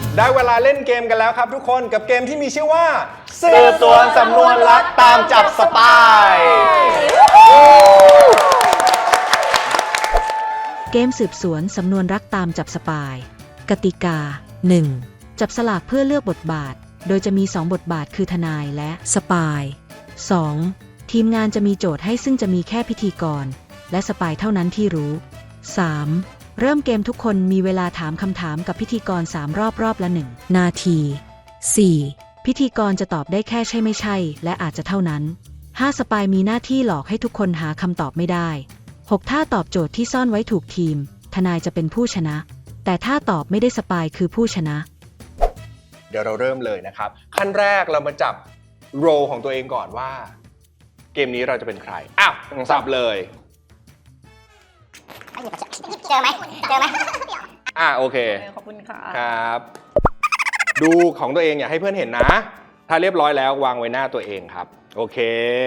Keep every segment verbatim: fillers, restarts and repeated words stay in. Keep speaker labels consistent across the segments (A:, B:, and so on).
A: ได้เวลาเล่นเกมกันแล้วครับทุกคนกับเกมที่มีชื่อว่า
B: สืบสวนสำนวนรักตามจับสปาย
C: เกมสืบสวนสำนวนรักตามจับสปายกติกา หนึ่ง จับสลากเพื่อเลือกบทบาทโดยจะมีสองบทบาทคือทนายและสปาย สอง ทีมงานจะมีโจทย์ให้ซึ่งจะมีแค่พิธีกรและสปายเท่านั้นที่รู้ สาม เริ่มเกมทุกคนมีเวลาถามคำถามกับพิธีกรสามรอบรอบละหนึ่งนาที สี่ พิธีกรจะตอบได้แค่ใช่ไม่ใช่และอาจจะเท่านั้น ห้า สปายมีหน้าที่หลอกให้ทุกคนหาคำตอบไม่ได้ หก ถ้าตอบโจทย์ที่ซ่อนไว้ถูกทีมทนายจะเป็นผู้ชนะแต่ถ้าตอบไม่ได้สปายคือผู้ชนะ
A: เดี๋ยวเราเริ่มเลยนะครับขั้นแรกเรามาจับโรของตัวเองก่อนว่าเกมนี้เราจะเป็นใครอ้าวสับเลย
D: เจอไหมเจอไหม
A: อ่ะโอเค
D: ขอบคุณค่ะ
A: ครับดูของตัวเองอย่าให้เพื่อนเห็นนะถ้าเรียบร้อยแล้ววางไว้หน้าตัวเองครับโอเค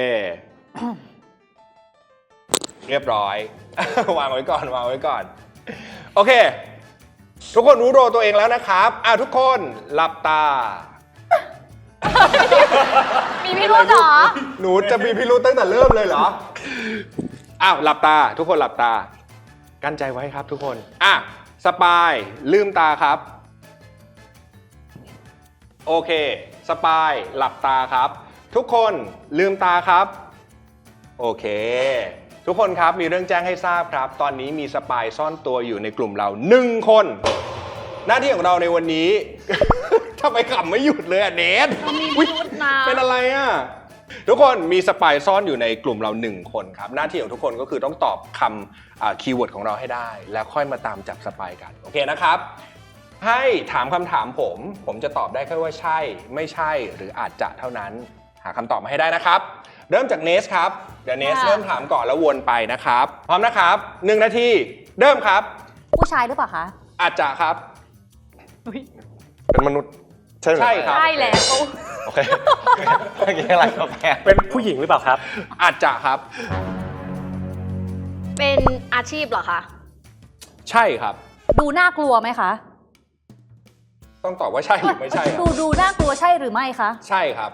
A: เรียบร้อย วางไว้ก่อนวางไว้ก่อนโอเคทุกคนรู้โรตัวเองแล้วนะครับอ่ะทุกคนหลับตา
D: มีพิรุธเหรอ
A: หนูจะมีพิรุธตั้งแต่เริ่มเลยเหรออ้าวหลับตาทุกคนหลับตากั้นใจไว้ครับทุกคนอ่ะสปายลืมตาครับโอเคสปายหลับตาครับทุกคนลืมตาครับโอเคทุกคนครับมีเรื่องแจ้งให้ทราบครับตอนนี้มีสปายซ่อนตัวอยู่ในกลุ่มเราหนึ่งคนหน้าที่ของเราในวันนี้ ทำไมขำไม่หยุดเลยอ่ะเนทเป็นอะไรอ่ะทุกคนมีสปายซ่อนอยู่ในกลุ่มเราหนึ่งคนครับหน้าที่ของทุกคนก็คือต้องตอบคำคีย์เวิร์ดของเราให้ได้แล้วค่อยมาตามจับสปายกันโอเคนะครับให้ถามคำถามผมผมจะตอบได้แค่ว่าใช่ไม่ใช่หรืออาจจะเท่านั้นหาคำตอบมาให้ได้นะครับเริ่มจากเนสครับเดี๋ยวเนสเริ่มถามก่อนแล้ววนไปนะครับพร้อมนะครับหนึ่งนาทีเริ่มครับ
D: ผู้ชายหรือเปล่าคะ
A: อาจจะครับ
B: เป็นมนุษย์ใช่ไหม
A: ใช่ครับ
D: ใช่แล้ว
B: โอเคเมื่อกี้อะไรก็แพ้
E: เป็นผู้หญิงหรือเปล่าครับ
A: อาจจะครับ
D: เป็นอาชีพเหรอคะ
A: ใช่ครับ
D: ดูน่ากลัวไหมคะ
A: ต้องตอบว่าใช่หรือไม่ใช่
D: ดูดูน่ากลัวใช่หรือไม่คะ
A: ใช่ครับ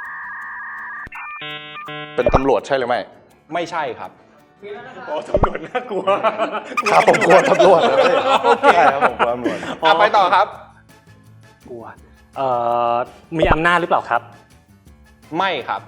B: เป็นตำรวจใช่หรือไม่
A: ไม่ใช่ครับ
E: โอ้ตำรวจน่ากลัว
B: ครับผมกลัวตำรวจนะพี่ใช่ครับผมกลัวตำรวจ
A: อ่ะไปต่อครับ
E: กลัวเอ่อมีอำนาจหรือเปล่าครับ
A: ไม่ครับ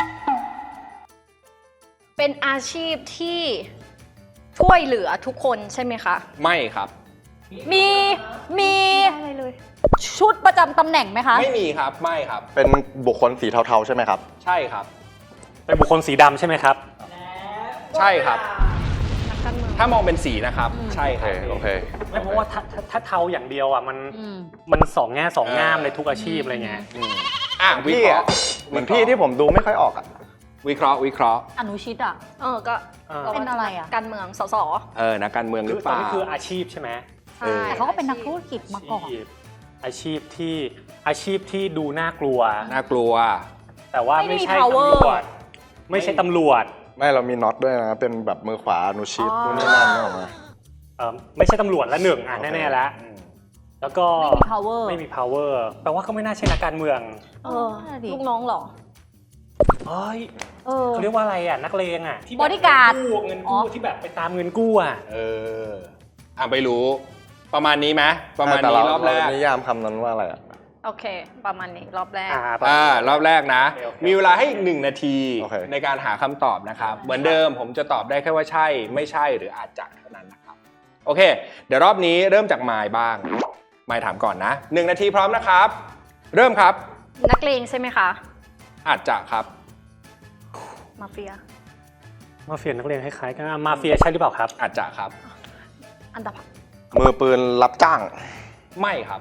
D: เป็นอาชีพที่ช่วยเหลือทุกคนใช่ไหมคะ
A: ไม่ครับ
D: มีมีอะไรเลยชุดประจำตำแหน่งไหมคะ
A: ไม่มีครับไม่ครับ
B: เป็นบุคคลสีเทาๆใช่ไหมครับ
A: ใช่ครับ
E: เป็นบุคคลสีดำใช่ไหมครับ
A: ใช่ครับถ้ามองเป็นสีนะครับใช่ครับ
B: โอเค
E: ไม่เพราะว่าถ้าถ้าเทาอย่างเดียวอ่ะมันมันสองแง่สองงามในทุกอาชีพอะไรเงี้ย
A: อ่ะ
B: พี่อ่ะเหมือนพี่ที่ผมดูไม่ค่อยออกอ่ะ
A: วิเคราะห์วิเคราะห์
D: อนุชิตอ่ะเออก็เป็นอะไรอ่ะการเมืองสส
A: เออนักการเมืองหรือเปล่า
E: นี่คืออาชีพใช่ไหม
D: ใช่แต่เขาก็เป็นนักธุรกิจมาก่อน
E: อาชีพที่อาชีพที่ดูน่ากลัว
A: น่ากลัว
E: แต่ว่าไม่ใช่ตำรวจไม่ใช่ตำรวจ
B: ไม่เรามีน็อตด้วยนะเป็นแบบมือขวาอนุชิตนู่นนี่นั่นออกมา
E: เออไม่ใช่ตำรวจละหนึ่งอ่ะแน่ๆแล้วแล้วก็
D: ไม่มี power
E: ไม่มี power แปลว่าก็ไม่น่าใช่นักการเมือง
D: เออลูกน้องหรอ
E: เฮ้ยเขาเรียกว่าอะไรอ่ะนักเลงอ่ะ
D: บอดี้การ์ด
E: กู้เงินกู้ที่แบบไปตามเงินกู้อ่ะ
A: เอออ่ะไม่รู้ประมาณนี้ไหมประมาณนี้รอบแรก
B: นิยามคำนั้นว่าอะไรอ่ะ
D: โอเคประมาณนี้รอบแรก
A: อ่ารอบแรกนะมีเวลาให้อีกหนึ่งนาทีในการหาคำตอบนะครับเหมือนเดิมผมจะตอบได้แค่ว่าใช่ไม่ใช่หรืออาจจะเท่านั้นนะครับโอเคเดี๋ยวรอบนี้เริ่มจากมายบ้างมายถามก่อนนะหนึ่งนาทีพร้อมนะครับเริ่มครับ
D: นักเลงใช่ไหมคะ
A: อาจจะครับ
D: มาเฟีย
E: มาเฟียนักเลงคล้ายๆกันมาเฟียใช่หรือเปล่าครับ
A: อาจจะครับ
D: อันดับ
B: มือปืนรับจ้าง
A: ไม่ครับ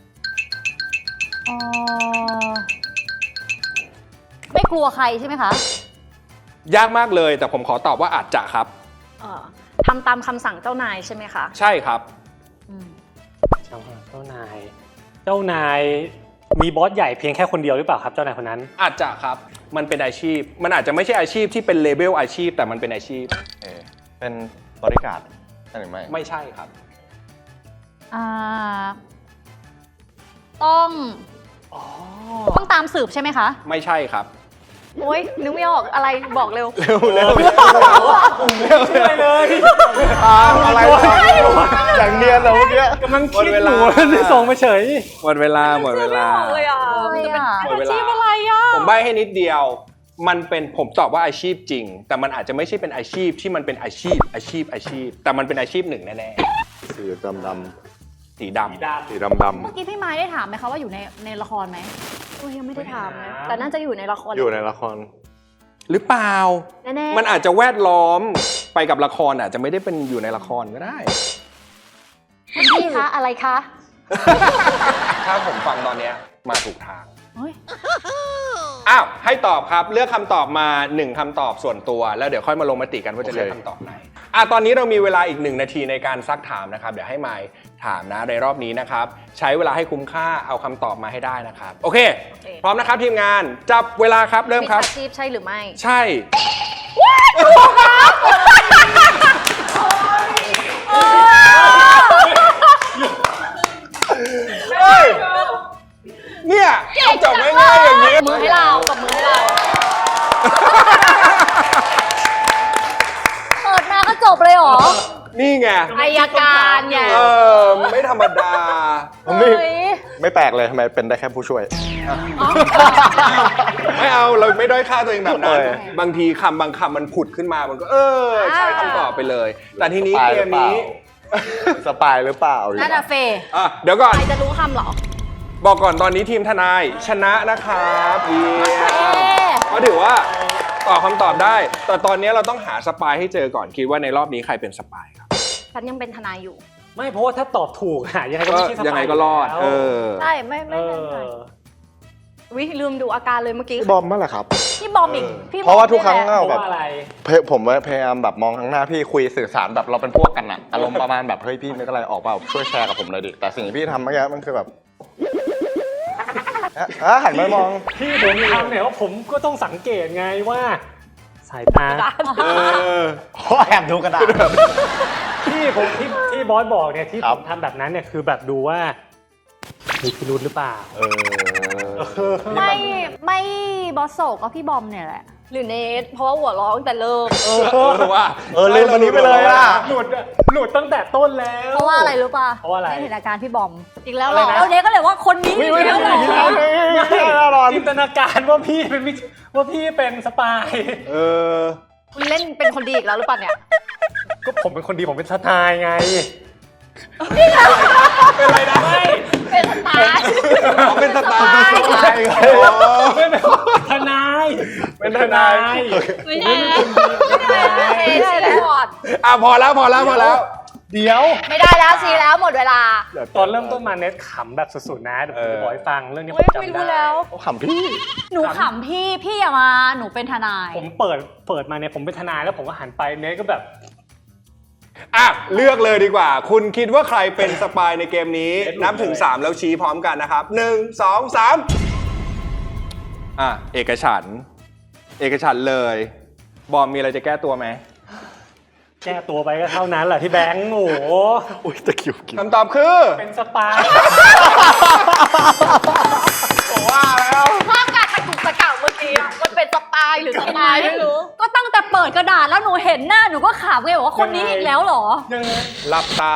D: ไม่กลัวใครใช่ไหมคะ
A: ยากมากเลยแต่ผมขอตอบว่าอาจจะครับ
D: ทำตามคำสั่งเจ้านายใช่ไหมคะ
A: ใช่ครับ
E: เจ้านายเจ้านายมีบอสใหญ่เพียงแค่คนเดียวหรือเปล่าครับเจ้านายคนนั้น
A: อาจจะครับมันเป็นอาชีพมันอาจจะไม่ใช่อาชีพที่เป็นเลเวลอาชีพแต่มันเป็นอาชีพ
B: เป็นบริการใช่หรือไม่
A: ไม่ใช่ครับ
D: อ่าต้อง
E: อ๋อ
D: ต้องตามสืบใช่ไหมคะ
A: ไม่ใช่ครับ
D: โอ๊ยนึกไม่ออกอะไรบอกเร็ว
A: เร็วเร็ว
E: ช่วยเลย
B: อ้าวอะไรวะอย่างเนียนเหรอเมื่อกี้
E: กำลังคิดอยู่ที่ส่งมาเฉย
A: หมดเวลาหมดเวลา
D: เลยอ่ะ
A: หมดเวลา
D: อาชีพอะไรอ่ะ
A: ผมใบ้ให้นิดเดียว มันเป็นผมตอบว่าอาชีพจริง แต่มันอาจจะไม่ใช่เป็นอาชีพที่มันเป็นอาชีพ อาชีพอาชีพ แต่มันเป็นอาชีพหนึ่งแน่
B: สีดำด
A: ๆสีดำ
B: ำสีดำด
D: เมื่อกี้พี่ไม้ได้ถามไหมคะว่าอยู่ในในละครไหมโอ้ยยังไม่ได้ถามนะแต่น่าจะอยู่ในละคร
B: ำอยู่ในละคร
A: หรือเปล่า
D: แน่ๆ
A: มันอาจจะแวดล้อมไปกับละครอาจจะไม่ได้เป็นอยู่ในละครก็ได้
D: คุณพี่คะอะไรคะ
A: ถ้าผมฟังตอนเนี้ยมาถูกทาง
D: เฮ้ย
A: อ้าว ให้ตอบครับ เลือกคำตอบมาหนึ่งคำตอบส่วนตัว แล้วเดี๋ยวค่อยมาลงมติกันว่าจะเลือกคำตอบไหนอ่ะตอนนี้เรามีเวลาอีกหนึ่งนาทีในการซักถามนะครับ เดี๋ยวให้ไมค์ถามนะในรอบนี้นะครับ ใช้เวลาให้คุ้มค่าเอาคำตอบมาให้ได้นะครับ โอเค พร้อมนะครับทีมงานจับเวลาครับเริ่ม
D: มิจ
A: ครับ
D: ฉาชีพใช่หรือไม่
A: ใช่ เฮ้ย เนี่ยจบง่ายๆอย่างนี้
D: มือให้เรากับมือให้เรา เปิดมาก็จบเลยเหรอ
A: นี่ไง
D: อายการไง
A: เออ ไม่ธรรมดา
B: ผมไม่
D: เฮ้ย
B: ไม่แปลกเลยทำไมเป็นได้แค่ผู้ช่วย
A: ไม่เอาเราไม่ด้อยค่าตัวเองแบบนั้น
B: เออ
A: บางทีคำบางคำมันผุดขึ้นมา มันก็เออ ใช่คำตอบไปเลย แต่ทีนี้
B: สปาย
A: เก
B: หรื
A: ม
B: อเปล่า
A: นี้
B: สปายหรือเปล่า
D: น่าจะเฟย์
A: อ่ะเดี๋ยวก่อน
D: ใครจะรู้คำเหรอ
A: บอกก่อนตอนนี้ทีมทนายชนะนะครับเยี่ย
D: เอ๊
A: มก็ถือว่าตอบคำตอบได้ แต่ตอนนี้เราต้องหาสปายให้เจอก่อน คิดว่าในรอบนี้ใครเป็นสปายครับ
D: ฉันยังเป็นทนายอยู่
E: ไม่เพราะว่าถ้าตอบถูกอะยังไงก็
A: ก็
E: ไม่ใช่สปา
A: ยังไงก็รอด
E: แล้ว
A: เออ
D: ใช่ ไม่
E: เอ
D: ไม่เป็นไร
E: อ
D: วิลืมดูอาการเลยเมื่อกี้
B: พี่บอมเมื่อไหร่ครับ
D: พี่บอมอีก พี่บอม
B: เพราะว่าทุกครั้ง
D: นี่แหละ
B: เอา
E: เพ
B: แบ
E: ราะ
B: บ
E: ว่าอะไร
B: เพผมพยายามแบบมองข้างหน้าพี่คุยสื่อสารแบบเราเป็นพวกกันอะอารมณ์ประมาณแบบเฮ้ยพี่นึกอะไรออกเปล่าช่วยแชร์กับผมหน่อยดิแต่สิ่งที่พี่ทำเมื่อกี้มันคือแบบอ่ะอ่ะหันมามอง
E: พี่ผมทำเนี่ยว่าผมก็ต้องสังเกตไงว่า สายตา
A: เออ
B: โอ้แอบดูกระดาษ
E: ที่ผมที่ที่บอสบอกเนี่ยที่
B: ครั
E: ผ
B: บ
E: มทำแบบนั้นเนี่ยคือแบบดูว่ามีพิรุธหรือเปล่า
B: เออ
D: ไม่ไม่บอสโศกก็พี่บอมเนี่ยแหละ หรือเนทเพราะว่าหัวเร้องแต่เริ่ม
A: เออว่า
B: เออลืมอันนี้ไปเลยอะ
E: หลุดอะหลุดตั้งแต่ต้นแล้ว
D: เพราะว่าอะไรรู้ป่ะ
E: เพราะว่าอะไร
D: ไม่เห็นอาการพี่บอม อีกแล้ว
E: อะไร
D: เหรอ
E: นะ
D: แล้วเนทก็เลยว่าคนนี้
B: ไม่
D: อีก
B: ไม่
D: แล้วเหรอ
B: ไม่แน่นอน
E: จินตนาการว่าพี่เป็นมิจว่าพี่เป็นสปาย
A: เออ
D: คุณเล่นเป็นคนดีอีกแล้วหรือเปล่าเนี่ย
E: ก็ผมเป็นคนดีผมเป็นทนายไง
A: เป็นไรนะ
E: ไม่
D: เป็นสไตล์
A: เขาเป็นสไตล์
B: เป็นสไตล์ไง
A: อ๋อ
E: ไม่เป็นทนาย
A: เป็นทนาย
D: ไม่ใช่ไม่ใช่ไม่ใช่ชีพอด
A: อ่ะพอแล้วพอแล้วพอแล้ว
E: เดี๋ยว
D: ไม่ได้แล้วชีแล้วหมดเวลา
E: ตอนเริ่มต้นมาเน็ตขำแบบสุดๆนะเดี๋ยวผมจะบอกให้ฟังเรื่องนี้ผ
D: เฮ้ย
E: มจำ
D: ไม่
E: ได้
D: รู้แล้ว
B: เขาขำพี่
D: หนูขำพี่ พี่อย่ามา หนูเป็นทนาย
E: ผมเปิดเปิดมาเนี่ยผมเป็นทนายแล้วผมก็หันไปเน็ตก็แบบ
A: อ่ะเลือกเลยดีกว่า คุณคิดว่าใครเป็นสปายในเกมนี้ นับถึงสามแล้วชี้พร้อมกันนะครับหนึ่งสองสามอ่ะเอกฉันท์เอกฉันท์เลย บอมมีอะไรจะแก้ตัวไหม
E: แก้ตัวไปก็เท่านั้นแหละที่แบงค์โอ้โห
B: อุ้ยตะคริวกิน
A: คำตอบคือ
E: เป็นสปาย
A: บอกว่าแล้ว
D: ภาพการตะกุกตะกักเมื่อกี้อะมันเป็นสปายหรือสปายไม่รู้ ก็ตั้งแต่เปิดกระดาษแล้วหนูเห็นหน้าหนูก็ขำไงบอกว่าคนนี้อีกแล้วเหรอ
E: ยังไง
A: หลับตา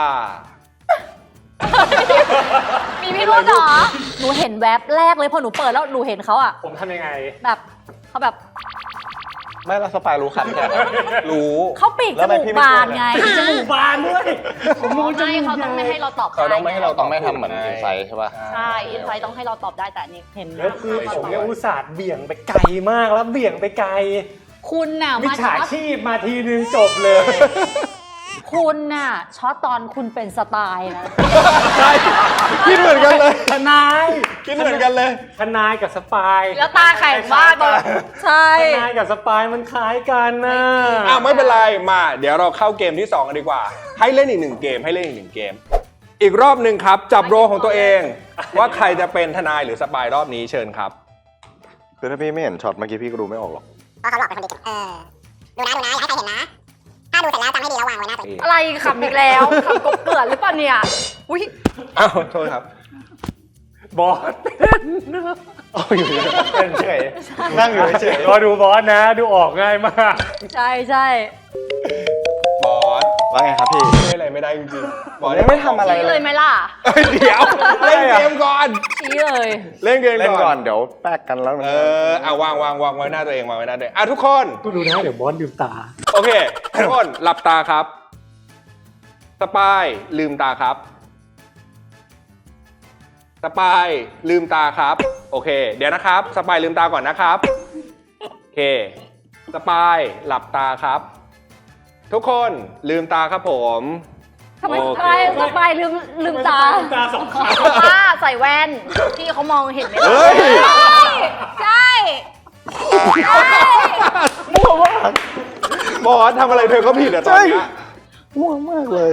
D: มีพี่รุ่นเหรอ หนูเห็นแว็บแรกเลยพอหนูเปิดแล้วหนูเห็นเขาอะ
E: ผมทำยังไง
D: แบบเขาแบบ
B: ไม่แล้วสปายรู้ขันแค่
A: รู้
D: เขาปีก
B: แล้
D: จ
B: วทำไม
D: มูก
B: พี่ไม่
D: บาน
B: ช่วย
D: ไง
E: จมูกบานด้วยผมมองจ
D: ไม่
E: มูก
D: เขาต้องไม่ให้เราตอบ
A: เขาต้องไม่ให้เรา
B: ต้องไม่ทำเหมือนอินไซด์ใช่ป่ะ
D: ใช่อินไซต์ต้องให้เราตอบได้แต่อันนี้เห็น
E: แล้วคือผมเนี่ยอุตส่าห์เบี่ยงไปไกลมากแล้วเบี่ยงไปไกล
D: คุณน่ะ
E: มิจ
D: มา
E: ฉา
D: ช็อต
E: ชีพมาทีนึงจบเลย
D: คุณน่ะช็อตตอนคุณเป็นสไตล์นะ
A: ใช่คิดเหมือนกันเลย
E: ทนาย
A: คิดเหมือนกันเลย
E: ทนายกับสปาย
D: แล้วตาแข็งมากเลยใช่
E: ทนายกับสปายมันคล้ายกันนะ
A: อ้าวไม่เป็นไรมาเดี๋ยวเราเข้าเกมที่สองกันดีกว่า ให้เล่นอีกหนึ่งเกมให้เล่นอีกหนึ่งเกม อีกรอบหนึ่งครับ จับโรของตัวเอง ว่าใครจะเป็นทนายหรือสปายรอบนี้เชิญครับ
B: คือถ้าพี่ไม่เห็นช็อตเมื่อกี้พี่ก็ดูไม่ออกหรอก
F: เพราะเขาหลอกเป็นคนดีเออ ดูนะ ดูนะ อย่าให้ใครเห็นนะ ถ้าดูเสร็จแล้วจำให้ดีแล้ววางไว้หน้าตัวเอง
D: อะไรขำอีกแล้วขำกบเกลื่อนหรือเปล่าเนี่ยอุ้ย
A: อ้าวโทษครับ
E: บอสเป็น
B: โอ้ยอยู่เป็นเฉยนั่งอยู่เฉย
E: รอดูบอสนะ ดูออกง่ายมาก
D: ใช่ใช่
A: บอส
B: ว่าไงครับพี่
A: ช่วยอะไรไม่ได้จริงๆบอส
B: ยังไม่ทำอะไร
D: ชี้
B: เล
D: เลย ยไหมล่ะ
A: เอ้ยเดี๋ยวเล่นเกมก่อน
D: ชี้เลย
A: เล่นเกม
B: เล่น
A: ก่
B: ก่
A: อ
B: อน นเดี๋ยวแป๊กกันแล้วมัน
A: เออเอาวางวางวางไว้หน้าตัวเองวางไว้หน้าตัวเองอ่ะทุกคน
E: ก็ดูนะเดี๋ยวบอสลืมตา
A: โอเค ทุกคนหลับตาครับ สปายลืมตาครับ สปายลืมตาครับ โอเค เดี๋ยวนะครับ สปายลืมตาก่อนนะครับ โอเค สปายหลับตาครับ ทุกคนลืมตาครับผม
D: ทำไม
A: โอ
D: ส
A: เค
D: ปายสปายลืมลืมตา
E: ลืมตาสองครั้ง
D: ป้าใส่แว่นพี่เขามองเห็นไหมล่ะ
A: เฮ้ย
D: ใช่ใช่
A: บอสทำอะไรเธอก็ผิดอะตอนเนี้ย
B: ง่วงมากเลย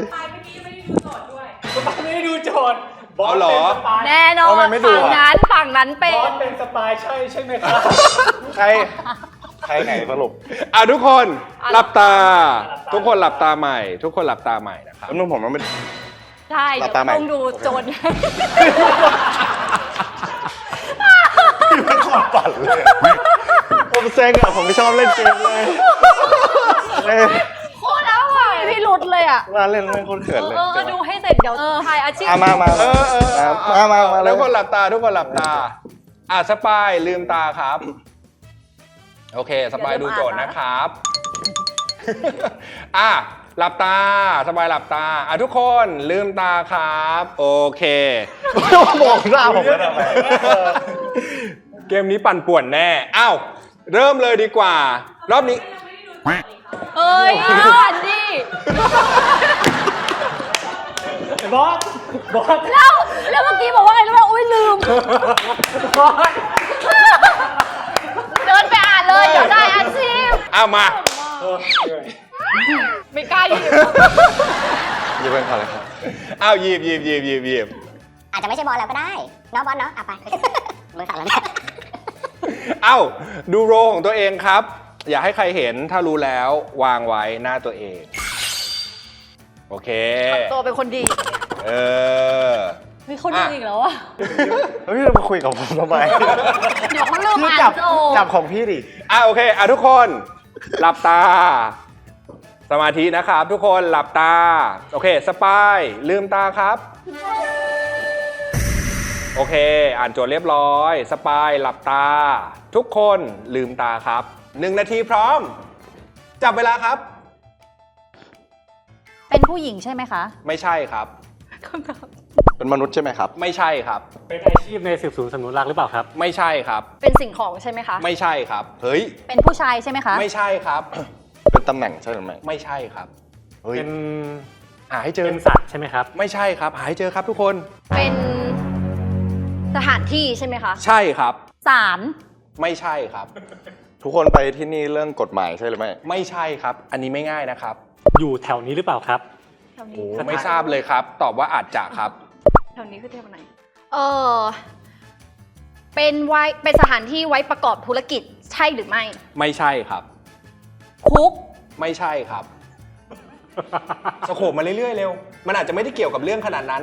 E: ไม่ได้ดูโจทย์บอส
A: เอาเหร
E: เป็
A: อ
E: นสปาย
D: แน่นอน
B: ทำไมไม่ดู
D: ฝั่ง
B: อะ
D: นั้นฝั่งนั้นเป็
E: บอน สเป็นสปายใช่ใช่ไหมครับ
B: ใครใครไหนสรุป
A: อ่ะทุกคน
D: อ่ะ
A: หลับตา
E: หลับตา
A: ทุกคนหลับตาใหม่ ทุกคนหลับตาใหม่นะครับ
B: แล้วนุ่มผมมันไม่
D: ใช่
B: หลั
D: เดี๋ย
B: บตาใหม่
D: วต้องดูโจร
B: ไม่ขอดปั่นเลยผมเซ็งอ่ะผมไม่ชอบเล่นเกมเลยเล่น
D: โคตรแล้วอ่ะพี่หลุดเลยอ่ะ
B: มาเล่นเล่นโคตรเขินเลย
D: เออดูให้เสร็จเดี๋ยวทายอาชีพ
B: อ่ะมามา
A: เออเออเออ
B: มามามาเล
A: ทุ
B: ย
A: กคนหลับตา ทุกคนหลับตา อ่ะสปายลืมตาครับ โอเค สปายดูโจทย์นะครับ อ่ะหลับตา สปายหลับตา อ่ะทุกคนลืมตาครับ โอเค
B: บอกหน้าผมแล้วทำไม
A: เกมนี้ปั่นป่วนแน่ อ้าว เริ่มเลยดีกว่า รอบนี้
D: เอ้ยอ่านดิ
E: บอส บอส
D: แล้วแล้วเมื่อกี้บอกว่าไงรู้ไหมอุ้ยลืม
E: บอส
D: เดินไปอ่านเลยเดี๋ยวได้อาชีพ
A: อ้าวมา
E: เออเหนื่อย
D: ไม่กล้าหยิบ
B: ยืมเป็นก่อนเลยครับ
A: อ้าวหยิบหยิบหยิบหยิบหยิบ
F: อาจจะไม่ใช่บอลเราก็ได้เนาะบอลเนาะอ่ะไปมือสั่นแล้วเนี่ย
A: เอ้า ดูโรของตัวเองครับ อย่าให้ใครเห็น ถ้ารู้แล้ววางไว้หน้าตัวเอง โอเค
D: ตัวเป็นคนดี
A: เออ
D: เฮ้ยเขาดีอีกแล้วอ่ะ
B: เฮ้ยเรามาคุยกับผมทำไม
D: เดี๋ยวเขาเริ่ม
B: พี่
D: อ่าน
B: จับ
D: โจทย์
B: จับของพี่ดิ
A: อ่ะโอเค อ่ะทุกคน หลับตา สมาธินะครับ ทุกคนหลับตา โอเค สปายลืมตาครับ โอเค อ่านโจทย์เรียบร้อย สปายหลับตา ทุกคนลืมตาครับหนึ่งนาทีพร้อม จับเวลาครับ
D: เป็นผู้หญิงใช่ไหมคะ
A: ไม่ใช่ครับ
D: คำตอบ
B: เป็นมนุษย์ใช่ไหมครับ
A: ไม่ใช่ครับ
E: เป็นอาชีพในสืบสวนสำนวนรักหรือเปล่าครับ
A: ไม่ใช่ครับ
D: เป็นสิ่งของใช่ไหมคะ
A: ไม่ใช่ครับ เฮ้ย
D: เป็นผู้ชายใช่ไหมคะ
A: ไม่ใช่ครับ
B: เป็นตำแหน่งใช่หรือไม่
A: ไม่ใช่ครับ
B: เฮ้ย
E: เป็น
A: หาให้เจอ
E: เป็นสัตว์ใช่ไหมครับ
A: ไม่ใช่ครับ หาให้เจอครับทุกคน
D: เป็นสถานที่ใช่ไหมคะ
A: ใช่ครับ
D: ศาล
A: ไม่ใช่ครับ
B: ทุกคนไปที่นี่เรื่องกฎหมายใช่หรือไม่
A: ไม่ใช่ครับ อันนี้ไม่ง่ายนะครับ
E: อยู่แถวนี้หรือเปล่าครับ
D: แถว
A: โอ้
D: นี้
A: ไม่ทราบเลยครับ ตอบว่าอาจจะครับ
D: แถวนี้คือเทวไหน เออเป็นไว้เป็นสถานที่ไว้ประกอบธุรกิจใช่หรือไม่
A: ไม่ใช่ครับ
D: คุก
A: ไม่ใช่ครับ สโคบมาเรื่อยๆเร็ว มันอาจจะไม่ได้เกี่ยวกับเรื่องขนาดนั้น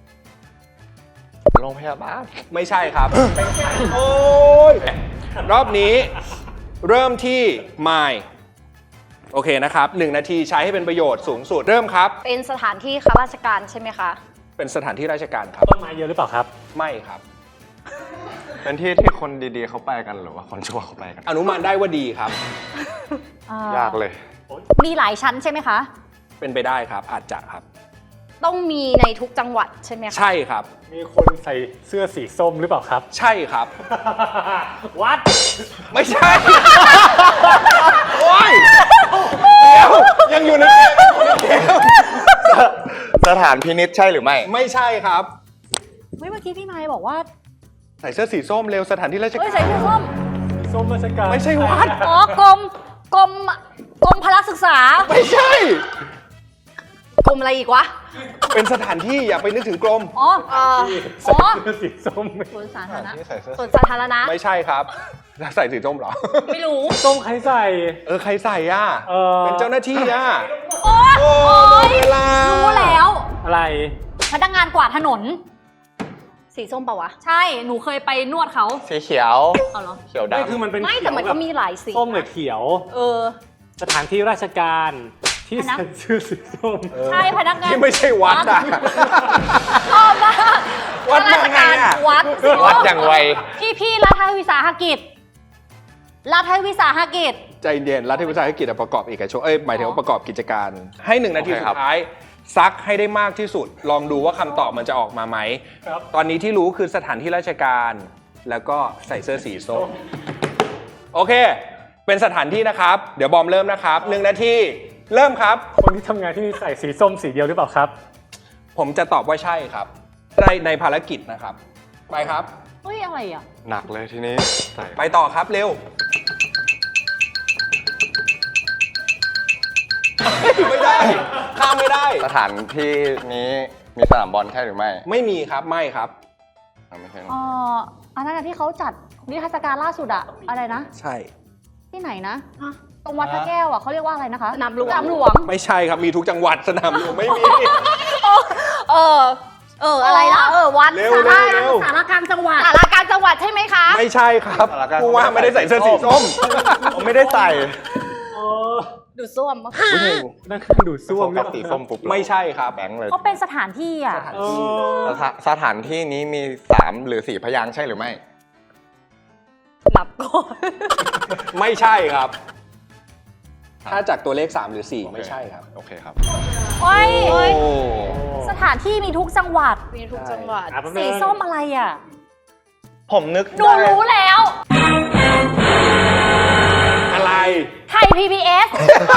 B: โรงพยาบาล
A: ไม่ใช่ครับ โอ้ยรอบนี้เริ่มที่ไมล์โอเคนะครับหนึ่งนาทีใช้ให้เป็นประโยชน์สูงสุด เริ่มครับ
D: เป็นสถานที่ข้าราชการใช่ไหมคะ
A: เป็นสถานที่ราชการครับ
E: ต้นไม้เยอะหรือเปล่าครับ
A: ไม่ครับ
B: เป็นที่ที่คนดีๆเขาไปกันหรือว่าคนชั่วเขาไปกัน
A: อนุมานได้ว่าดีครับ
B: ยากเลย
D: มีหลายชั้นใช่ไหมคะ
A: เป็นไปได้ครับ อาจจะครับ
D: ต้องมีในทุกจังหวัดใช่ไหมคะ
A: ใช่ครับ
E: มีคนใส่เสื้อสีส้มหรือเปล่าครับ
A: ใช่ครับ
E: วัด
A: ไม่ใช่ โอ้ยเดี๋ยวยังอยู่ในเกมยังอยู่ในเกม
B: สถานพินิจใช่หรือไม่
A: ไม่ใช่ครับ
D: เฮ้ยเมื่อกี้พี่ไมค์บอกว่า
A: ใส่เสื้อสีส้มเร็วสถานที่ราช
D: เฮ้ย
A: กา
D: ใส่
A: ร
D: เสื้อส้ม
E: สีส้มราชการ
A: ไม่ใช่วัด
D: อ๋อกรมกรมกรมพละศึกษา
A: ไม่ใช่
D: กรมอะไรอีกวะ
A: เป็นสถานที่อย่าไปนึกถึงกรม
D: อ๋อเออ
E: ใส่
D: อ๋อ
E: เสื้อสีส้ม
D: สวนสาธารณะ
B: ที่ใส่เสื้อ
D: สวนสาธารณะ
A: ไม่ใช่ครับใส่สีส้มเหรอ
D: ไม่รู้
E: ส้มใครใส่
A: เออใครใส่อ่ะ
E: เออ
A: เป็นเจ้าหน้าที่อ่ะ
D: โอ๊ย
A: โอ้
D: โอ๊ย
A: เวลา
D: รู้แล้ว
E: อะไร
D: พนักงานกวาดถนนสีส้มปะวะ ใช่ หนูเคยไปนวดเขา
B: สีเขียว
D: เอาเหรอ
B: เขียว
E: ไม่
B: ดำ
E: คือมันเป็น
D: ไม่
E: เขียว
D: แต่มันก็
E: บบ
D: มีหลายสี
E: ส้มหรือเขียว
D: เออ
E: สถานที่ราชการที่
D: อันนั้น
E: ใส่เสื้อสีส้ม
D: ใช่พนักงาน
A: ที่ไม่ใช่วัดอ่ะ
D: ชอบมาก
A: วัดมาไงอะ
D: วัด
B: วัดอย่างไว
D: พี่พี่รัฐวิสาหกิจรัฐวิสาหกิจ
A: ใจเย็นรัฐวิสาหกิจอะประกอบเอกชนเอ้ยหมายถึงว่าประกอบกิจการ ให้หนึ่งนาที
B: โอเค
A: สุ
B: ครับ
A: ดท้าย ซักให้ได้มากที่สุด ลองดูว่าคำตอบมันจะออกมาไหม
E: ครับ
A: ตอนนี้ที่รู้คือสถานที่ราชการ แล้วก็ใส่เสื้อสีส้ม โอเค เป็นสถานที่นะครับ เดี๋ยวบอมเริ่มนะครับหนึ่งนาที เริ่มครับ
E: คนที่ทำงานที่นี่ใส่สีส้มสีเดียวหรือเปล่าครับ
A: ผมจะตอบว่าใช่ครับ ในในภารกิจนะครับ ไปครับ
D: เฮ้ย อะไรอ่ะ
B: หนักเลยทีนี้ใส่
A: ไปต่อครับเร็ว ไม่ได้ ข้ามไม่ได้
B: สถานที่นี้มีสนามบอลใช่หรือไม่
A: ไม่มีครับ ไม่ครับ
B: อ่ะไม่ใช่
D: อ๋ออันนั้นอะที่เขาจัดนิทรรศการล่าสุดอะอะไรนะ
A: ใช่
D: ที่ไหนนะ ตรงวัดพระแก้วอะเขาเรียกว่าอะไรนะคะ
G: สนามหลวง
D: สนามหลวง
A: ไม่ใช่ครับ มีทุกจังหวัดสนามหลวงไม่มี
G: เออ เออ อะไรนะ เออ วัด
A: เร็ว
G: สา
A: เร็
G: ราว
A: เร็ว
G: สารกลารจังหวัดสารกลารจังหวัดใช่ไหมคะ
A: ไม่ใช่ครับผู้ว่าไม่ได้ใส่เสื้อสีส้ม
B: ผมไม่ได้ใส่
E: เออ
G: ดูส้วม
E: นั่นคือดูดซ่วม
B: กับสีส้มปุ๊บ
A: ไม่ใช่ครับ
B: แบงค์เลย
D: เขาเป็นสถานที่อะ
E: เออ
B: สถาสถานที่นี้มีสามหรือสี่พยางค์ใช่หรือไม่
G: นับก่อน
A: ไม่ใช่ครับ ถ้าจากตัวเลขสามหรือสี่ไม่ใช่ครับ
B: โอเคครับ
D: โอ้ย
A: โอ้
D: สถานที่มีทุกจังหวัด
G: มีทุกจังหวัด
E: อ่ะแป๊บนึ
D: สี
E: ง
D: ส้มอะไรอะ
B: ผมนึก
D: หนู
B: ได้
D: รู้แล้ว
A: อะไร
D: ไทย พี บี เอส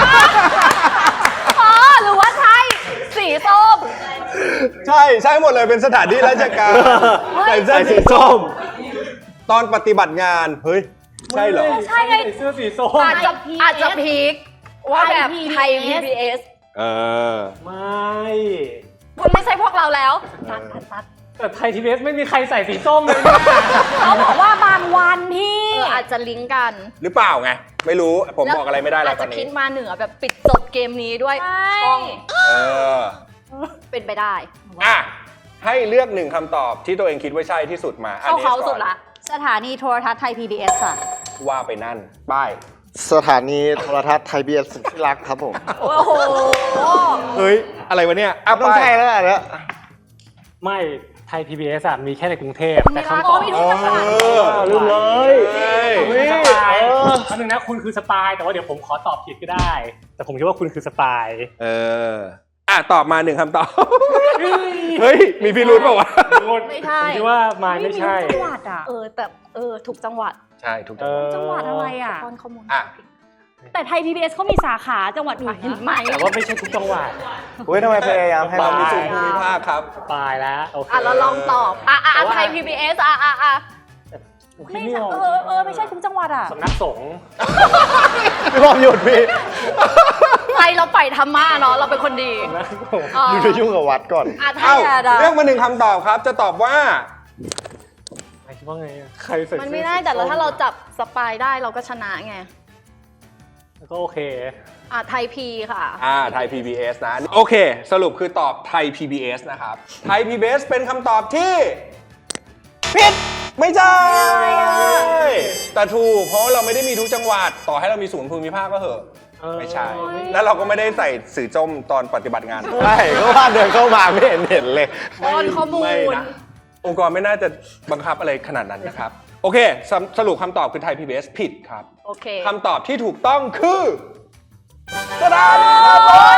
D: อ๋อ หรือว่าใช่สีส้ม
A: ใช่ใช่หมดเลยเป็นสถานที่ราชการ
D: เฮ้ย
A: ใส่เสื้อสีส้ม ตอนปฏิบัติงาน เฮ้ย ใช่เหรอ
D: ใช่ไง
E: ใส่เสื้อสีส้ม
G: อาจจะอาจจะพีคว่าแบบไทย พี บี เอส
A: เออ
E: ไม่
G: คุณไม่ใช่พวกเราแล้วตัดตัดตัด
E: แต่ไทยทีวีเอสไม่มีใครใส่สีส้มเลยเนี่ย
D: เขาบอกว่าบางวันพี่
G: เอออาจจะลิงก์กัน
A: หรือเปล่าไง ไม่รู้ ผมบอกอะไรไม่ได้แล้ว
G: อาจ
A: ตอ
G: จะ
A: น
G: คิ
A: นี้
G: ดมาเหนือแบบปิดจบเกมนี้ด้วย
D: ใช่
G: ช่อง
A: เออ
G: เป็นไปได้
A: อ่ะ ให้เลือกหนึ่งคำตอบที่ตัวเองคิดว่าใช่ที่สุดมา
G: เข้าเขาสุดละ
D: สถานีโทรทัศน์ไทย พี บี เอส ค่ะ
A: ว่าไปนั่น ป้าย
B: สถานีโทรทัศน์ไทยบีเอสสุดที่รักครับผม
G: โอ้โห
A: เฮ้ย อะไรวะเนี่ยอ่ะ
B: ต้อง
A: ป้าย
B: ใช่แล้วอันเนี้ย
E: ไม่ไทย พี บี เอส อะมีแค่ในกรุงเทพแต่คำต
D: โอ้
E: อบ
D: มีทุกจังหวัด
A: เออ
B: ลืมเลย
A: เฮ้ย
E: คุณคือสปายอันนึงนะคุณคือสปายแต่ว่าเดี๋ยวผมขอตอบผิดก็ได้ แต่ผมคิดว่าคุณคือสปาย
A: เออ อ่ะ ตอบมาหนึ่งคำตอบ เฮ้ย มีพิรุธเปล่าวะ
G: ไม่ใช่
E: ผมคิดว่ามาไม่ใช่
D: มีทุกจังหวัดอ่ะ
G: เออ แต่เออ ถูกจังหวัด
A: ใช่ ถูก
E: เอ
A: ต้อง
E: อ
D: จังหวัดอะไรอ่ะ
G: ป้อนข้อมูล
A: อ่ะ
D: แต่ไทย พี บี เอส เขามีสาขาจังหวัดอื่น
G: เห็น
D: นะ
G: ไหม
E: แต่ว่าไม่ใช่ทุกจังหวัด
B: เฮ้ยทำไมพยายามให้
A: บา
B: เรา
A: งมี
B: มี
A: สู
B: สู
A: ง
B: ง
A: ภูมิภาคครับ
E: สปายแล้วโอเค
G: อ่ะเราลองตอบ อ่ะอ่ะอ่ะไทย พี บี เอส อ่ะอ่ะอ่ะ
E: ผมคิ
D: ไม่
E: ดไม่
D: ใช่
E: ออก
D: เออเออไม่ใช่ทุกจังหวัดอ่ะ
E: สำนักสงฆ์
B: พี่บอมหยุดพี่
G: ไทยเราไปธรรมะเนาะ เราเป็นคนดี
E: สำนักสงฆ์
G: อ่ะ
B: อยู่จะยุ่งกับวัดก่อน
G: อ่ะไท
A: เอ้าย เลือกมาหนึ่งคำตอบครับ จะตอบว่า
E: ใครคิดว่าไงอะใครใส่
G: มัน
E: เสื้อ
G: ไม่ได้แต่เราถ้าเราจับสปายได้เราก็ชนะไง
E: ก็โอเค
G: อ่ะไทยพีค่ะ
A: อ่า ไทย พี บี เอส นะ โอเค สรุปคือตอบไทย พี บี เอส นะครับ ไทย พี บี เอส เป็นคำตอบที่ผิด ไม่ใช่ แต่ถูก เพราะเราไม่ได้มีทุกจังหวัด ต่อให้เรามีศูนย์ภูมิภาคก็เหอะ
E: เออ
A: ไม่ใช่ แล้วเราก็ไม่ได้ใส่สื่อจมตอนปฏิบัติงาน
B: ใช่ก็ว่าเดินเข้ามาไม่เห็นเห็นเลย
G: ป้อนข้อมูล
A: ไม่นะองค์กรไม่น่าจะบังคับอะไรขนาดนั้นนะครับ โอเคสรุสรุปคำตอบคือไทย พี บี เอส ผิดครับ
G: โอเค
A: คำตอบที่ถูกต้องคือสถานีครับ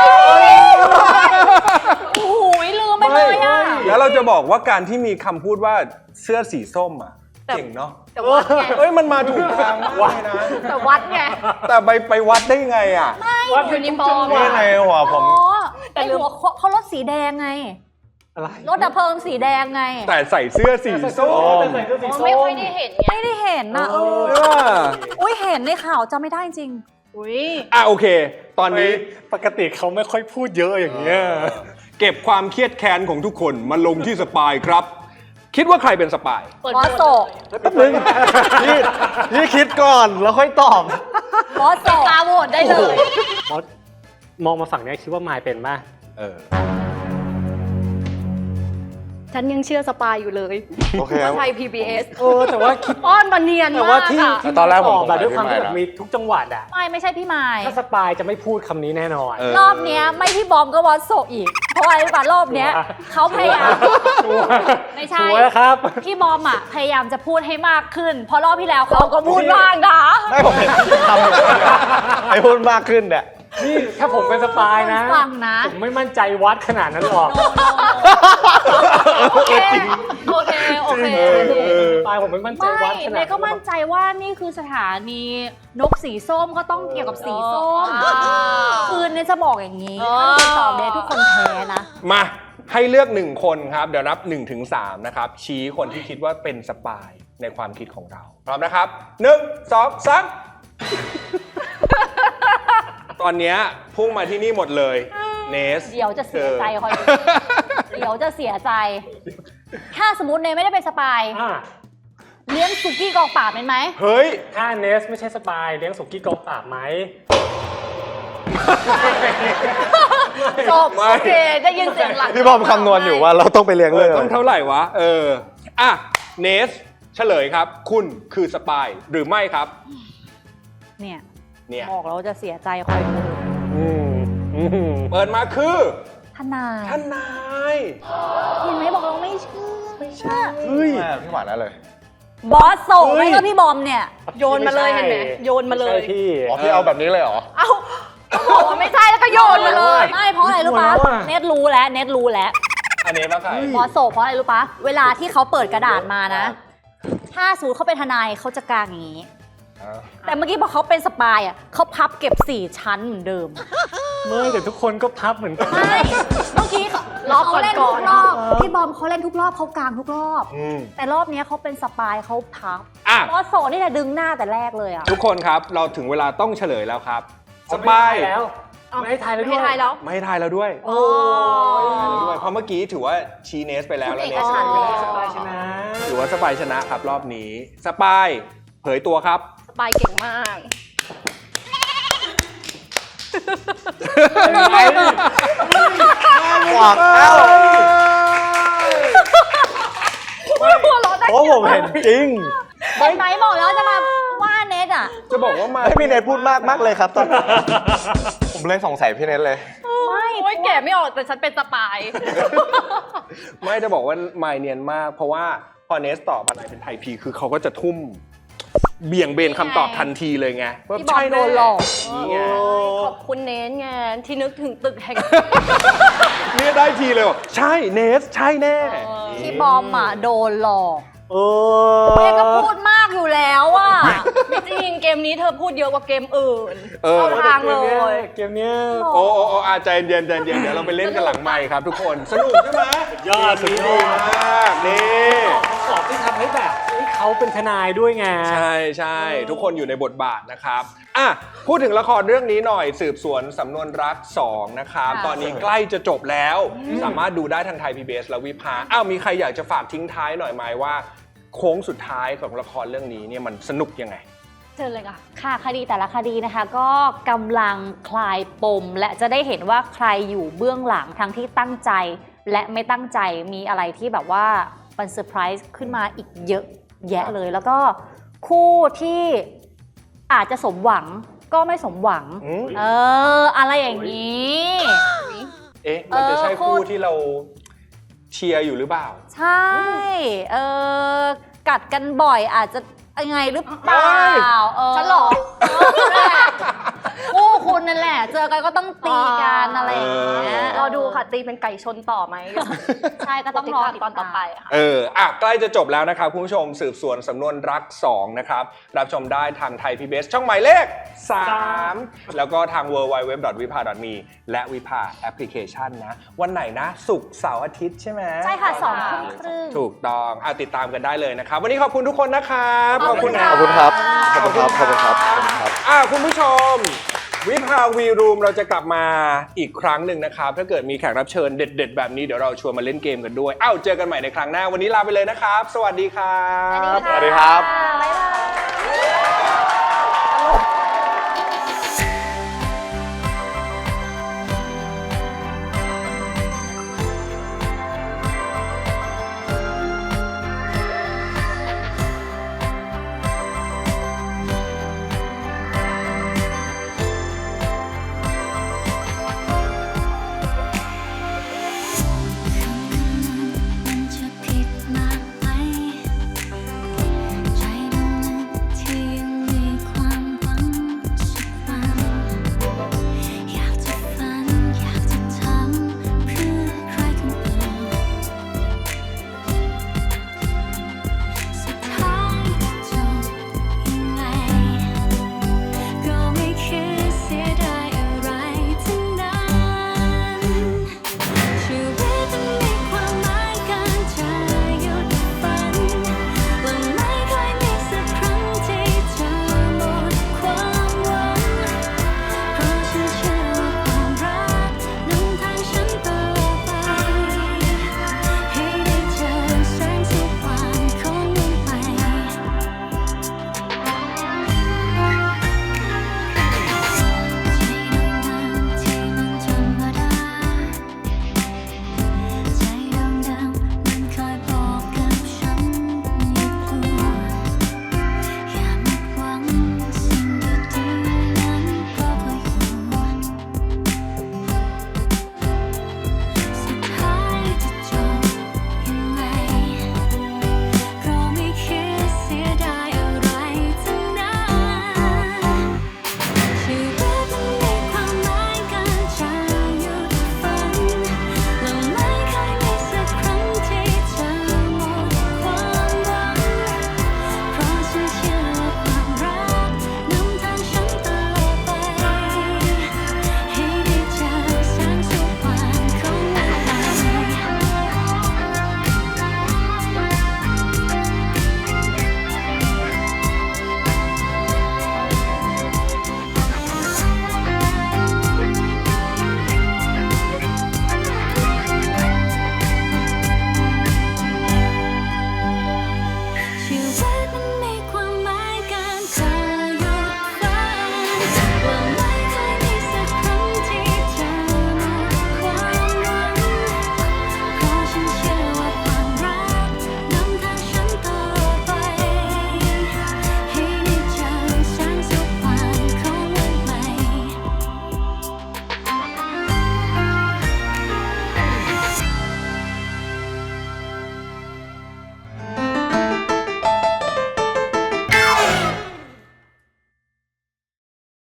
D: โอ้โหลืมไปเลยอ่ะ
A: แล้วเราจะบอกว่าการที่มีคำพูดว่าเสื้อสีส้มอ่ะ
G: แต่
A: เก่งเนาะ
G: แต่วัดไง
A: เอ้ยมันมาถูกทางมากเลยนะ
G: แต่วัดไง
A: แต่ไปไปวัดได้ไงอ่ะ
E: วัด
G: ยูนิฟอร์ม
B: ไม่ในหัวผม
D: อ๋อแต่หัวเขาเขารถสีแดงไง
E: อะไร
D: รถดับเพลิงสีแดงไง
A: แต่ใส่เสื้อสีส้ม
E: แต่ใส่เสื้อสีส้ม
G: ไม่ค่อยได้เห็นไง
D: ไม่ได้เห็นนะเออ
A: เออ
D: อุ้ยเห็นในข่าวจำไม่ได้จริง
G: อุ้ย
A: อ่ะโอเค ตอนนี้
E: ปกติเขาไม่ค่อยพูดเยอะอย่างเงี้ย
A: เก็บความเครียดแค้นของทุกคนมาลงที่สปายครับ คิดว่าใครเป็นสปาย
G: เปิด
D: บอสโศก
B: แป๊บนึงพี่พี่คิดก่อนแล้วค่อยตอบ
D: บอสโศก
G: ตาโหวตได้เลย
E: มอสมองมาฝั่งเนี้ยคิดว่ามายเป็นป่ะ
A: เออ
G: ฉันยังเชื่อสปายอยู่เลย
B: โอเคครับ
G: ไทย พี บี เอส
E: เออแต่ว่าคิด
G: อ้อนมาเนียน
E: แต่
G: มา
E: ว่าก ที่
G: อะ
E: ที่
B: ตอนแรกผม
E: ตอบแบบด้วย
B: สงสัย
E: ความที่แบบ
B: พี่ไมค์นะ
E: มีทุกจังหวัดอ่ะ
D: ไม่ไม่ใช่พี่ไม้
E: ถ้าสปายจะไม่พูดคำนี้แน่นอน
A: เออ
D: รอบเนี้ยไม่พี่บอมก็วอตโซอีก เพราะอะไรรู้ป่ะรอบเนี้ยเขาพยายาม
E: ชัวร์
D: ไม่ใช่
E: ชัวร์ครับ
D: พี่บอมอ่ะพยายามจะพูดให้มากขึ้น เพราะรอบที่แล้วเขาก็พูดมากนะ
B: ไม่ผมเห็นทำอยู่ไอ้พูดมากขึ้นเนี่ย
E: นี่ถ้าผมเป็นสปายนะ
D: ฟังนะ
E: ผมไม่มั่นใจวัดขนาดนั้นหรอก
D: โอเคโอเคโอเค
E: สปายผมไม่มั่นใจ
D: ไม่
E: วัดขนาด
D: เน
E: นั้
D: ย
E: น
D: ก็มั่นใจว่านี่คือสถานีนกสีส้มก็ต้องเกี่ยวกับสีส้ม
G: อ่า
D: คือเนี่ยจะบอกอย่างนี้
G: อ๋อ
D: ถ้าติดต่อเนยทุกคนแพ้นะ
A: มาให้เลือกหนึ่งคนครับ เดี๋ยวนับหนึ่งถึงสามนะครับ ชี้คนที่คิดว่าเป็นสปายในความคิดของเรา พร้อมนะครับหนึ่งสองสามตอนเนี้ยพุ่งมาที่นี่หมดเลยเนส
D: เดี๋ยวจะเสียใจคอยดูเดี๋ยวจะเสียใจ ถ้าสมมติเนยไม่ได้เป็นสปาย
E: อ่า
D: เลี้ยงสุกี้กองป่าบเป็นไหม
A: เฮ้ย
E: ถ้าเนสไม่ใช่สปายเลี้ยงสุกี้กองปราบไหม
G: จบโอเคได้ยินเสียงหลัง
B: พี่บอมคำนวณอยู่ว่าเราต้องไปเลี้ยงเลย
A: ต้องเท่าไหร่วะ เออ อ่ะ เนส เฉลยครับ คุณคือสปายหรือไม่ครับ
D: เนี่ย
A: เนี่ย
D: บอกแล้วจะเสียใจคอยดู
E: อืมอืม
A: เปิดมาคือ
D: ทนาย
A: ท่านนาย
D: เห็นไหมบอกเราไม่เชื่อไม่เชื่อ
E: เฮ้ย
B: แม่พี่หวานนั่นเลย
D: บอสโซ
E: เฮ้ย
D: ไม่ก็พี่บอมเนี่ย
G: โยนมาเลยเห็นไหมโยนมาเลย
E: ไใช่พี่
B: อ๋อพี่เอาแบบนี้เลยเหรอ
G: เอ้าก็บอกว่าไม่ใช่แล้วก็โยนมาเลย
D: ไม่เพราะอะไรรู้ปะ
E: หัวเราะอะ
D: เน็ตรู้แล้วเน็ตรู้แล้ว
A: อันนี้ป่ะใคร
D: บอสโซเพราะอะไรรู้ปะเวลาที่เขาเปิดกระดาษมานะ ถ้าสมมติเขาเป็นทนายเขาจะกางอย่างนี้ แต่เมื่อกี้พอเขาเป็นสปายอ่ะเขาพับเก็บสี่ชั้นเหมือนเดิม
E: เมื่อแต่ทุกคนก็พับเหมือนกัน
D: ไม่เมื่อกี้เขา
G: รอบ
D: เขาเล่น
G: ก่
D: ทุ
G: อน
D: ก
G: ๆ
D: รอบพี่บอมเขาเล่นทุกรอบเขากางทุกรอบ
A: อืม
D: แต่รอบเนี้ยเขาเป็นสปายเขาพับ
A: อ่ะ
D: บอสโซนี่จะดึงหน้าแต่แรกเลยอ่ะ
A: ทุกคนครับ เราถึงเวลาต้องเฉลยแล้วครับ ส
E: ไม่
A: ปาย
E: ให้แล้วไม่ให้ทายแล้ว
G: ไม่
E: ด้วย
G: ให้ทายแล้ว
A: ไม่ให้ทายแล้วด้วย
E: โอ้
A: ไม่ให้ทายแล้วด้วย เพราะเมื่อกี้ถือว่าชี้เนสไปแล้ว
G: คุณ
A: แล้ว
G: เอ
A: เน
G: ก
A: ส
G: ฉันท์
A: ไปแล้ว
E: สปายชนะ
A: ถือว่าสปายชนะครับรอบนี้ สปาย เผยตัวครับ
G: สปายเก่งมาก
B: หวักเอ้า
G: หัวเราะได้
B: เพราะผมเห็นจริง
D: เห็นไหมบอกแล้วจะมาว่าเน็ตอ่ะ
A: จะบอกว่ามา
B: ให้พี่เนทพูดมากมากเลยครับตอนผมเลยสงสัยพี่เนทเลย
D: ไม่
G: โอ้ยแกะไม่ออกแต่ฉันเป็นสปาย
A: ไม่จะบอกว่าไม่เนียนมาก เพราะว่าพอเนสตอบอะไรเป็นไทยพีคือเขาก็จะทุ่ม เบี่ยงเบนคำตอบทันทีเลยไงว่า
D: พี่บอมโดนหลอก
A: นี่ไง
G: ขอบคุณเน้นไงที่นึกถึงตึกแห่ง
A: เนี่ยได้ทีเลยบอกใช่เนส ใช่แน่
D: พี่บอมอ่ะโดนหลอก
E: โอ้
D: แม่ก็พูดมากอยู่แล้วอ่ะ
G: ไม่จริงเกมนี้เธอพูดเยอะกว่าเกมอื่น
A: เออ
G: เข้าทางเลย
E: เกมเนี้ย
A: โอ้โอ้โอ้อาใจเย็นใจเย็นเดี๋ยวเราไปเล่นกันหลังไมค์ครับทุกคนสนุกใช่ไหม
E: ยอดสุดย
A: ดี
E: อด
A: มากนี่
E: สอบที่ทำให้แบบให้เขาเป็นทนายด้วยไง
A: ใช่ใช่ทุกคนอยู่ในบทบาทนะครับอ่ะพูดถึงละครเรื่องนี้หน่อยสืบสวนสำนวนรักสองนะครับ
D: ค่ะ
A: ตอนนี้ใกล้จะจบแล้ว สามารถดูได้ทางไทย พี บี เอส และวิภาอ้าวมีใครอยากจะฝากทิ้งท้ายหน่อยไหมว่า โค้งสุดท้ายของละครเรื่องนี้เนี่ยมันสนุกยังไง
D: เจอเลยค่ะ ค่ะคดีแต่ละคดีนะคะ ก็กำลังคลายปม และจะได้เห็นว่าใครอยู่เบื้องหลังทั้งที่ตั้งใจ และไม่ตั้งใจมีอะไรที่แบบว่ามันเซอร์ไพรส์ขึ้นมาอีกเยอะแยะเลย แล้วก็คู่ที่อาจจะสมหวังก็ไม่สมหวัง
A: อืม
D: เออ อะไรอย่างนี้
A: เอ๊ะมันจะใช่
D: เออ
A: คู่
D: คู่
A: ที่เราเชียร์อยู่หรือเปล่า
D: ใช่ เออ กัดกันบ่อยอาจจะยังไงหรือเปล่า
A: ไม่
D: เออ
G: ฉันเหรอ
D: เออนั่นแหละคู่คุณนั่นแหละ เจอกันก็ต้องตีกันอะไรอย่างเงี้ย
G: รอดูค่ะตีเป็นไก่ชนต่อไหม
D: ใช่ก็ต้องรอ
G: ติดตามตอนต่อไปค่ะ
A: เอออ่ะใกล้จะจบแล้วนะครับคุณผู้ชมสืบสวนสำนวนรักสองนะครับรับชมได้ทางไทย พี บี เอส ช่องหมายเลขสามแล้วก็ทาง ดับเบิลยู ดับเบิลยู ดับเบิลยู ดอท วิภา ดอท มี และวิภาแอปพลิเคชันนะ วันไหนนะศุกร์เสาร์อาทิตย์ใช่ไหม
D: ใช่ค่ะสองทุ่มครึ่ง
A: ถูกต้องอ่ะติดตามกันได้เลยนะครับ วันนี้ขอบคุณทุกคนนะครับ
D: ขอบคุณ
A: นะ
B: ขอบคุณครับ ขอบคุณครับ ขอบคุณครับ ขอบคุณครับ
A: อ่ะคุณผู้ชม วิภาวีรูมเราจะกลับมาอีกครั้งหนึ่งนะครับ ถ้าเกิดมีแขกรับเชิญเด็ด ๆ แบบนี้เดี๋ยวเราชวนมาเล่นเกมกันด้วยอ้าวเจอกันใหม่ในครั้งหน้าวันนี้ลาไปเลยนะครับ สวัสดีครับ
B: สวัสดีครับ
D: บ๊ายบาย